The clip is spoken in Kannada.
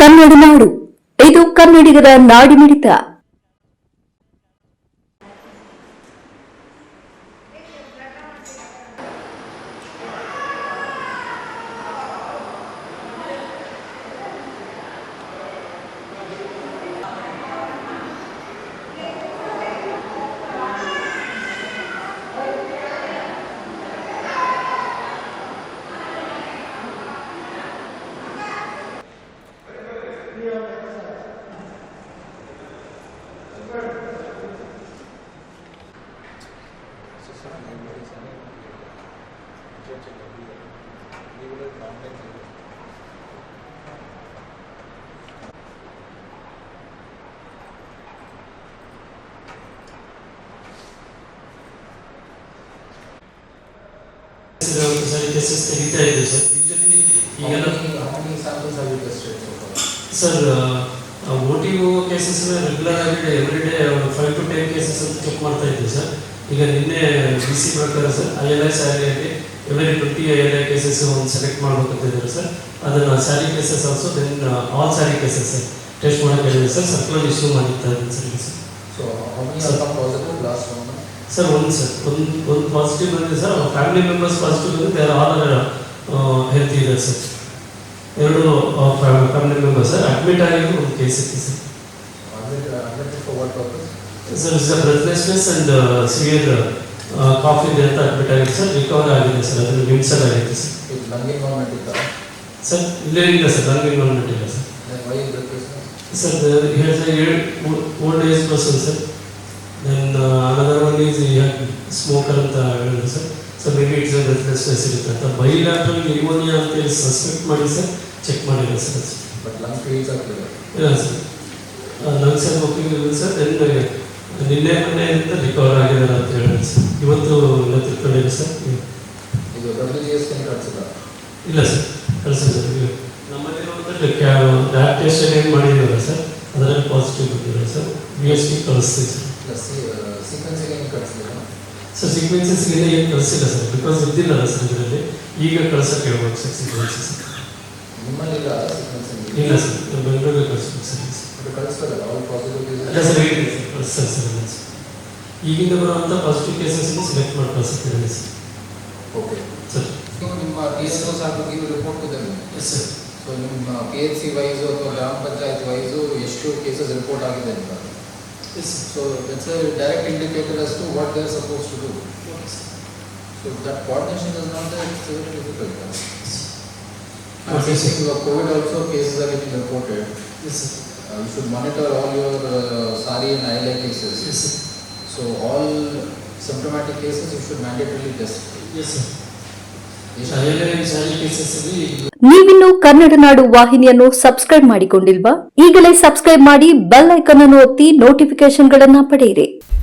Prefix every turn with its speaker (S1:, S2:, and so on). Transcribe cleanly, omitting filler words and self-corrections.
S1: ಕನ್ನಡ ನಾಡು, ಇದು ಕನ್ನಡಿಗರ ನಾಡಿಮಿಡಿತ.
S2: ಕೇಸಸ್ ತೆಗಿತಾ ಇದೆ ಸರ್. ಯೂಶಲಿ ಈಗೆಲ್ಲ ಸರ್ OTO ಕೇಸಸ್ ರೆಗ್ಯುಲರ್ ಆಗಿ ಎವ್ರಿ ಡೇ 5 to 10 ಕೇಸಸ್ ಅಂತ ಚೆಕ್ ಮಾಡ್ತಾ ಇದ್ದೀವಿ ಸರ್. ಈಗ ನಿನ್ನೆ BC ಪ್ರಕಾರ ಸರ್ ILI ಸ್ಯಾಲರಿಯಲ್ಲಿ ಎವ್ರಿ 20 ILI ಕೇಸಸ್ ಒಂದು ಸೆಲೆಕ್ಟ್ ಮಾಡ್ಬೇಕಂತ ಇದ್ದಾರೆ ಸರ್. ಅದನ್ನು SARI cases also then all SARI cases sir test ಮಾಡೋಕೆ ಹೇಳಿದೆ ಸರ್. ಸರ್ಕ್ಯುಲರ್ ಇಶ್ಯೂ ಮಾಡಿರ್ತಾ ಇದ್ದೀನಿ ಸರ್. ಸರ್ ಒಂದು ಪಾಸಿಟಿವ್ ಬಂದಿದೆ ಸರ್. ಅವ್ರ ಫ್ಯಾಮಿಲಿ ಮೆಂಬರ್ಸ್ ಪಾಸಿಟಿವ್ ಬಂದಿದೆ. ಬೇರೆ ಆಲ್ ಹೆಲ್ತ್ ಇದೆ sir. 2 family members sir admit ಆಗಿದ್ದು ಒಂದು ಕೇಸ್ ಇತ್ತು sir. Sir is breathlessness and severe cough ಇದೆ ಅಂತ ಅಡ್ಮಿಟ್ ಆಗಿದೆ ಸರ್. ರಿಕವರ್ ಆಗಿದೆ ಸರ್. ಅದನ್ನು ವಿಮ್ಸಲ್ ಆಗಿದೆ ಸರ್. ಸರ್ ಇಲ್ಲೇ ಇಲ್ಲ ಸರ್. ಲಂಗ್ ಇನ್ವಾಲ್ವ್ಮೆಂಟ್ ಇಲ್ಲ sir. Sir old age person sir. Then another one is smoker ಅಂತ ಹೇಳಿದ್ರು sir. So maybe it's breathlessness ಇರುತ್ತೆ ಅಂತ. ಬೈಲ್ಯಾಟ್ರಲ್ ನ್ಯೂಮೋನಿಯಾ ಅಂತ ಸಸ್ಪೆಕ್ಟ್ ಮಾಡಿ ಸರ್ ಚೆಕ್ ಮಾಡಿಲ್ಲ ಸರ್.
S3: ಬಟ್ ಲಂಗ್ ಕ್ಲೀನ್ಸ್ ಆಗ್ತಿದೆ
S2: ಇಲ್ಲ ಸರ್. ಲಂಗ್ಸ್ ಎಲ್ಲ ಓಕೆ ಇದೆ ಸರ್. ದೆನ್ ನಿನ್ನೆ ಮೊನ್ನೆಯಿಂದ ರಿಕವರ್ ಆಗಿದ್ದಾರೆ ಅಂತ ಹೇಳಿದ್ರು ಸರ್. ಇವತ್ತು ಎಲ್ಲ ತಿಳ್ಕೊಂಡಿದೆ ಸರ್.
S3: ಇದು WGS ಕಳಿಸಿಲ್ಲ? ಇಲ್ಲ
S2: ಸರ್ ಕಳಿಸಿಲ್ಲ ಸರ್. ನಮ್ಮಲ್ಲಿರುವಂಥ ಲ್ಯಾಬ್ ಟೆಸ್ಟ್ ಏನು ಮಾಡಿದ್ದೀವಲ್ಲ ಸರ್ ಅದರಲ್ಲಿ ಪಾಸಿಟಿವ್ ಬಂದಿದೆ ಸರ್. BSP ಕಳಿಸ್ತೀವಿ ಸರ್.
S3: ಸೀಕ್ವೆನ್ಸಿಗೆ ಏನು ಕಳಿಸಿಲ್ಲ
S2: ಸರ್? ಸೀಕ್ವೆನ್ಸಸ್ಗೆ ಏನು ಕಳಿಸಿಲ್ಲ ಸರ್. ಬಿಕಾಸ್ ಇದ್ದಿಲ್ಲಲ್ಲ ಸರ್ ಇದರಲ್ಲಿ. ಈಗ ಕಳ್ಸೋಕ್ಕೆ ಹೇಳ್ಬೋದು ಸರ್ ಸೀಕ್ವೆನ್ಸಸ್.
S3: ನಿಮ್ಮಲ್ಲಿ ಇಲ್ಲ ಸೀಕ್ವೆನ್ಸಿಂಗ್?
S2: ಇಲ್ಲ ಸರ್. ಬೆಂಗಳೂರಿಗೆ ಕಳಿಸ್ಬೇಕು ಸರ್.
S3: ಕಳಿಸ್ತಾರೆ ಆಲ್ ಪಾಸಿಟಿವ್ ಕೇಸ್?
S2: ಇಲ್ಲ ಸರ್ ಹೇಳಿ ಸರ್ ಕಳಿಸ್ತಾರೆ ಸರ್. ಇಲ್ಲ ಸರ್. ಈಗಿಂದ ಬರುವಂಥ ಪಾಸಿಟಿವ್ ಕೇಸಸ್ನ ಸೆಲೆಕ್ಟ್ ಮಾಡಿ ಕಳಿಸ್ತಾರೆ ಸರ್.
S3: Okay
S2: sir.
S3: ನಿಮ್ಮ PSO ಸಾರ್ಟಿಗೆ ರಿಪೋರ್ಟ್ ಇದೆ?
S2: Yes sir.
S3: ಸೊ ನಿಮ್ಮ PHC ವೈಸು ಅಥವಾ ಗ್ರಾಮ ಪಂಚಾಯತ್ ವೈಸು ಎಷ್ಟು ಕೇಸಸ್ ರಿಪೋರ್ಟ್ ಆಗಿದೆ ಅಂತ?
S2: Yes,
S3: so that's a direct indicator as to what they are supposed to do.
S2: Okay,
S3: so that coordination is not there. It's very difficult.
S2: Okay,
S3: Since COVID also cases are getting reported.
S2: Yes, sir.
S3: You should monitor all your SARI and ILI cases.
S2: Yes, sir.
S3: So all symptomatic cases you should mandatorily test.
S2: Yes, sir. ILI and SARI cases ಅಲ್ಲಿ
S1: ನೀವಿನ್ನು ಕನ್ನಡ ನಾಡು ವಾಹಿನಿಯನ್ನು ಸಬ್ಸ್ಕ್ರೈಬ್ ಮಾಡಿಕೊಂಡಿಲ್ವಾ? ಈಗಲೇ ಸಬ್ಸ್ಕ್ರೈಬ್ ಮಾಡಿ ಬೆಲ್ ಐಕಾನ್ ಅನ್ನು ಒತ್ತಿ ನೋಟಿಫಿಕೇಶನ್ಗಳನ್ನು ಪಡೆಯಿರಿ.